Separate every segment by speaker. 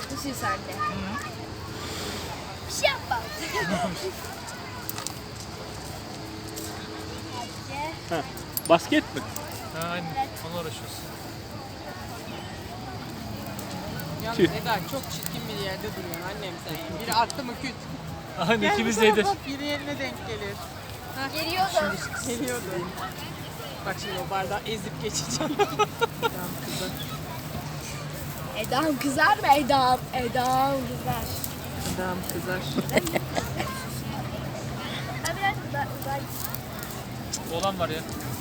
Speaker 1: Düşün sen de. Bir şey yapma.
Speaker 2: Ha, basket mi?
Speaker 3: Ha, aynen. Onunla uğraşıyoruz.
Speaker 4: Yalnız
Speaker 2: Tüh.
Speaker 4: Eda çok çirkin bir yerde duruyorsun annem sen. Biri attı mı küt.
Speaker 3: Aynen
Speaker 4: Gel
Speaker 3: ikimiz
Speaker 4: bu
Speaker 3: de
Speaker 4: tarafa, biri eline denk gelir.
Speaker 1: Geliyordu.
Speaker 4: Geliyordu. Bak şimdi o bardağı ezip geçeceğim. Tamam kızım.
Speaker 1: Eda'm kızar mı? Eda'm kızar.
Speaker 4: Adam kızar.
Speaker 1: Ha biraz uzay.
Speaker 3: Olan var ya.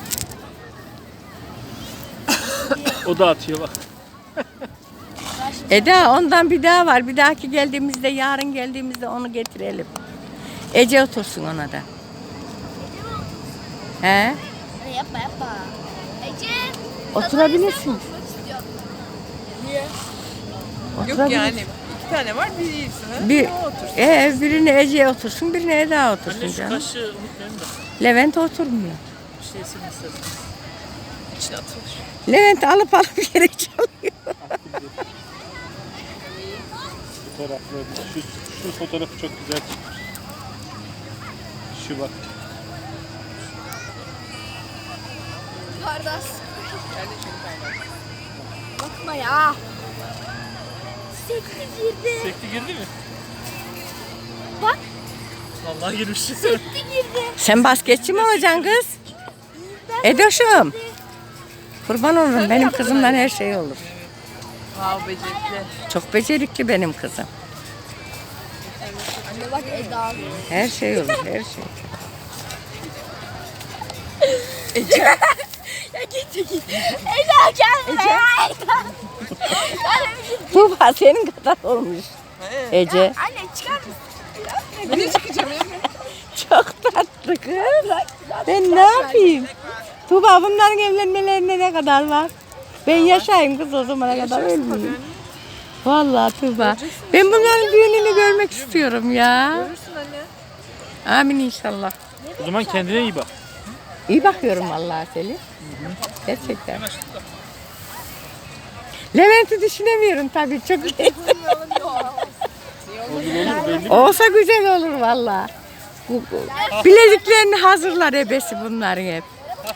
Speaker 2: O da atıyor bak.
Speaker 5: Eda ondan bir daha var. Bir dahaki geldiğimizde, yarın geldiğimizde onu getirelim. Ece otursun ona da. He?
Speaker 1: Yapma. Ece.
Speaker 5: Oturabilirsin.
Speaker 1: Oturmak istiyorum.
Speaker 4: Yok
Speaker 5: Oturabilirsin.
Speaker 4: yani. İki tane var biri iyisi.
Speaker 5: Bir,
Speaker 4: O otursun.
Speaker 5: birine Ece otursun, birine Eda otursun
Speaker 3: Anne şu
Speaker 5: canım.
Speaker 3: kaşığı unutmayalım da.
Speaker 5: Levent oturmuyor.
Speaker 3: Bir şey yesin istersen.
Speaker 4: İçine atılır.
Speaker 5: Levent alıp yere çalıyor.
Speaker 2: Fotoğrafları. Şu fotoğrafı çok güzel çıkmış. Şu bak.
Speaker 1: Kardeş.
Speaker 4: Ben de çok paylaştım.
Speaker 1: Bakma ya. Sekti girdi.
Speaker 3: Sekti girdi mi?
Speaker 1: Bak.
Speaker 3: Vallahi girmiş.
Speaker 1: Sekti girdi.
Speaker 5: Sen basketçi mi olacaksın kız? Edoşum. Kurban olurum, benim kızımdan her şey olur.
Speaker 4: Wow becerikli.
Speaker 5: Çok becerikli benim kızım.
Speaker 1: Anne bak Eda.
Speaker 5: Her şey olur, her şey.
Speaker 1: Ya git. Eda gel buraya. Eda.
Speaker 5: Tuğba senin kadar olmuş. Ece.
Speaker 1: Anne çıkar mısın?
Speaker 4: Ne çıkacağım Emre?
Speaker 5: Çok tatlı kız. Ben ne yapayım? Tuğba bunların evlenmelerine ne kadar var? Ben yaşayayım kız o zamana kadar ölmeyeyim. Vallahi Tuğba. Ben bunların düğününü görmek istiyorum ya.
Speaker 4: Görürsün anne.
Speaker 5: Amin inşallah.
Speaker 3: O zaman kendine iyi bak.
Speaker 5: İyi bakıyorum vallahi Selin. Gerçekten. Levent'i düşünemiyorum tabii çok iyi. Olsa güzel olur vallahi. Bileziklerini hazırlar ebesi bunların hep.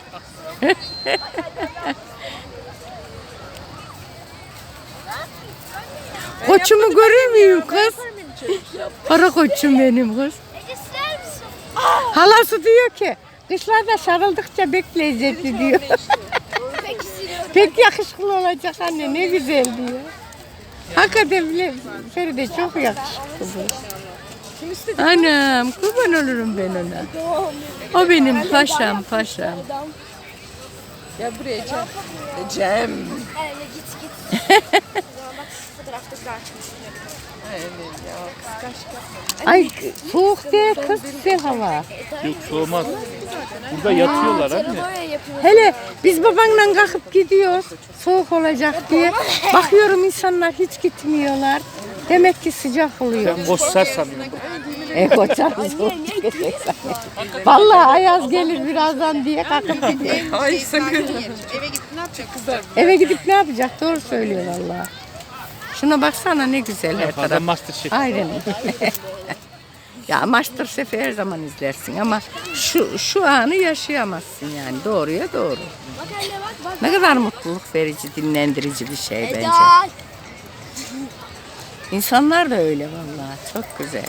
Speaker 5: Koçumu görür müyüm kız? Para koçum benim kız.
Speaker 1: Ece siler misin?
Speaker 5: Halası diyor ki kışlarda sarıldıkça bek lezzetli diyor.
Speaker 1: Peki siliyorum.
Speaker 5: Pek yakışıklı olacak anne ne güzel diyor. Hakikaten bile Feride çok yakışıklı bu. Anam kurban olurum ben ona. O benim paşam.
Speaker 4: Ya buraya Cem. Cem.
Speaker 1: Anne git. Bak fotoğrafta açmış.
Speaker 4: Evet ya kıskanç.
Speaker 5: Ay soğuk değil kız güzel hava.
Speaker 2: Yok soğumaz. Burada yatıyorlar anne.
Speaker 1: Böyle yapıyoruz.
Speaker 5: Hele biz babanla kalkıp gidiyoruz soğuk olacak diye. Bakıyorum insanlar hiç gitmiyorlar. Demek ki sıcak oluyor.
Speaker 2: Ben boşsar sanıyorum.
Speaker 5: Koçarız soğuk çıkacak. Vallahi ayaz gelir birazdan diye kalkıp gidiyor.
Speaker 4: Ay sakın. Eve gidip ne yapacak kızlar?
Speaker 5: Eve gidip ne yapacak? Doğru söylüyor vallahi. Şuna baksana ne güzel her
Speaker 2: Fazla
Speaker 5: taraf.
Speaker 2: Masterchef.
Speaker 5: Aynen. Ya Masterchef'i her zaman izlersin ama şu anı yaşayamazsın yani doğruya doğru.
Speaker 1: Bak anne bak.
Speaker 5: Ne kadar mutluluk verici, dinlendirici bir şey bence.
Speaker 1: Eda.
Speaker 5: İnsanlar da öyle vallahi çok güzel.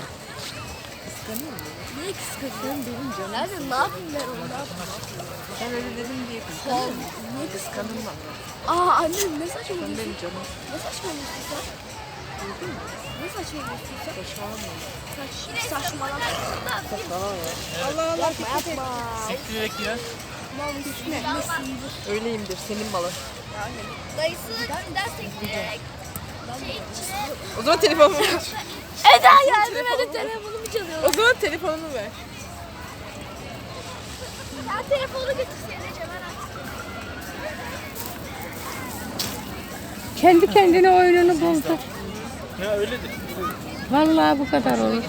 Speaker 1: Niye kıskandın benim canım? Nerede? Ne yapayım ben onu?
Speaker 4: Sen öyle dedin diye kıskandım. Niye kıskandın bak?
Speaker 1: Aa annem ne saçmalıyorsun?
Speaker 4: Benim canım.
Speaker 1: Ne saçmalıyorsun sen? Ne saçmalıyorsun sen? Saçmalama.
Speaker 4: Allah Allah.
Speaker 1: Yapma.
Speaker 3: Sektirerek ya.
Speaker 4: Öyleyimdir senin malın.
Speaker 1: Dayısı içinden sektirerek.
Speaker 4: O zaman telefonumu ver.
Speaker 1: Eda yardım edin telefonumu çalıyor.
Speaker 4: O zaman telefonumu ver.
Speaker 1: Sen telefonu götürsene Cemal.
Speaker 5: Kendi kendine oyununu buldu.
Speaker 3: Ya öyledir.
Speaker 5: Vallahi bu kadar olur.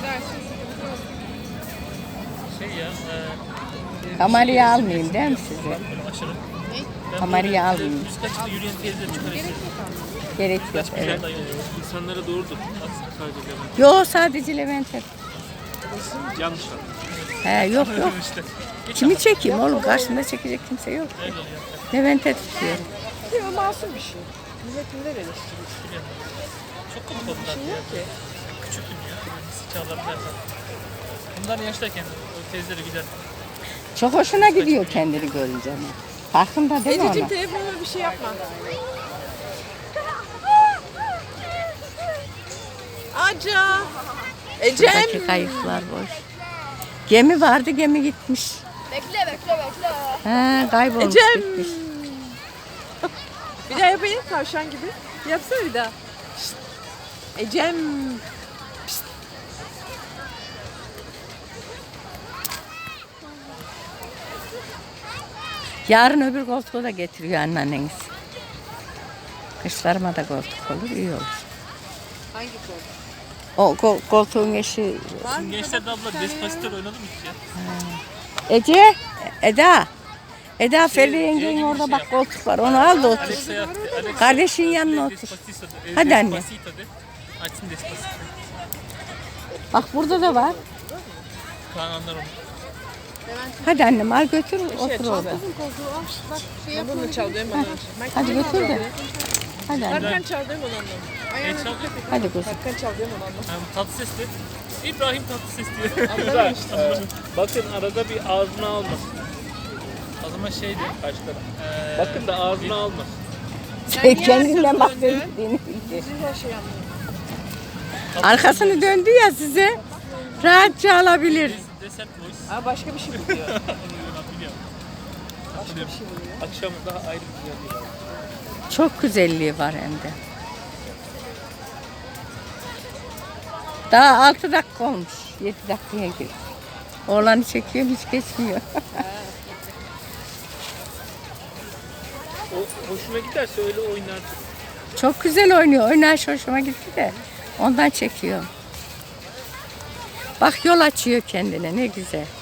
Speaker 3: Şey ya.
Speaker 5: Kamerayı almayayım değil mi size?
Speaker 3: Aşırı.
Speaker 5: Kamerayı almayayım.
Speaker 3: Üst kaçta yürüyen teyzeler çıkar.
Speaker 5: Gerek yok. Evet.
Speaker 3: Evet.
Speaker 2: İnsanlara doğrudur. Sadece Levent.
Speaker 5: Yok sadece Levent'e.
Speaker 2: Yanlış anladım.
Speaker 5: He yok yok.
Speaker 3: işte.
Speaker 5: Kimi çekeyim oğlum? Karşımda çekecek kimse yok.
Speaker 3: Öyle oluyor.
Speaker 5: Levent'e tutuyorum.
Speaker 4: Değil mi? Masum bir şey. Millet neler eleştiriyor?
Speaker 3: Çok komik oldular
Speaker 4: Şey
Speaker 3: ya.
Speaker 4: yok ki.
Speaker 3: Küçüktüm ya. Çağlarlar. Bunlar yaştayken o teyzeleri gider.
Speaker 5: Çok hoşuna gidiyor kendini görünce ama. Farkında değil mi
Speaker 4: Ececiğim
Speaker 5: ona?
Speaker 4: telefonuma bir şey yapma. Aca.
Speaker 5: Buradaki
Speaker 4: Ecem.
Speaker 5: kayıklar boş. Gemi vardı, gemi gitmiş.
Speaker 1: Bekle.
Speaker 5: He, kaybolmuş
Speaker 4: Ecem.
Speaker 5: gitmiş.
Speaker 4: Bir daha yapayım tavşan gibi. Yapsana bir daha. Şşt. Ecem. Pişt.
Speaker 5: Yarın öbür koltuğu da getiriyor anneanneniz. Kışlarıma da koltuk olur, iyi olur.
Speaker 4: Hangi kol?
Speaker 5: O koltuğun eşi
Speaker 3: Şimdi gençlerde abla Despacito oynadı mı hiç ya?
Speaker 5: Ece, Eda. Eda Ferdi
Speaker 3: gibi
Speaker 5: yengenin
Speaker 3: bir
Speaker 5: orada
Speaker 3: şey
Speaker 5: bak
Speaker 3: yap.
Speaker 5: koltuk var. Onu al da otur.
Speaker 3: Alex'a yaptı. Alex
Speaker 5: Kardeşin yanına otur.
Speaker 3: Despacito de.
Speaker 5: Hadi anne.
Speaker 3: Despacito de. Açsın Despacito.
Speaker 5: Bak burada da var.
Speaker 3: Kaan anlar onu.
Speaker 5: Hadi annem al götür otur orada.
Speaker 4: Ben bunu çaldım onu.
Speaker 5: Hadi götür de. Hadi anne.
Speaker 4: Hakan çaldım onu anlam.
Speaker 3: Ne çaldı?
Speaker 5: Hadi kuzum.
Speaker 4: Hakan çaldım onu anlam.
Speaker 3: Ha, tatlı sesli. İbrahim tatlı ses diyor.
Speaker 2: Güzel. Bakın arada bir ağzına almasın.
Speaker 3: O zaman şeydi.
Speaker 2: Kaç taraf. Bakın da ağzına almasın.
Speaker 5: Sen kendinden bahsettiğini bildi.
Speaker 4: Şey anlıyorum.
Speaker 5: Arkasını döndü ya size. Rahatça alabilir.
Speaker 3: Desert voice.
Speaker 4: Aa başka bir şey buluyor.
Speaker 3: Biliyorum.
Speaker 4: Başka bir şey buluyor.
Speaker 2: Akşam daha ayrı bir güzelliği var.
Speaker 5: Çok güzelliği var hem de. Daha 6 dakika olmuş. 7 dakikaya girdi. Oğlanı çekiyorum hiç geçmiyor.
Speaker 2: O hoşuna giderse öyle oynar.
Speaker 5: Çok güzel oynuyor. Oynayış hoşuma gitti de. Ondan çekiyorum. Bak yol açıyor kendine ne güzel.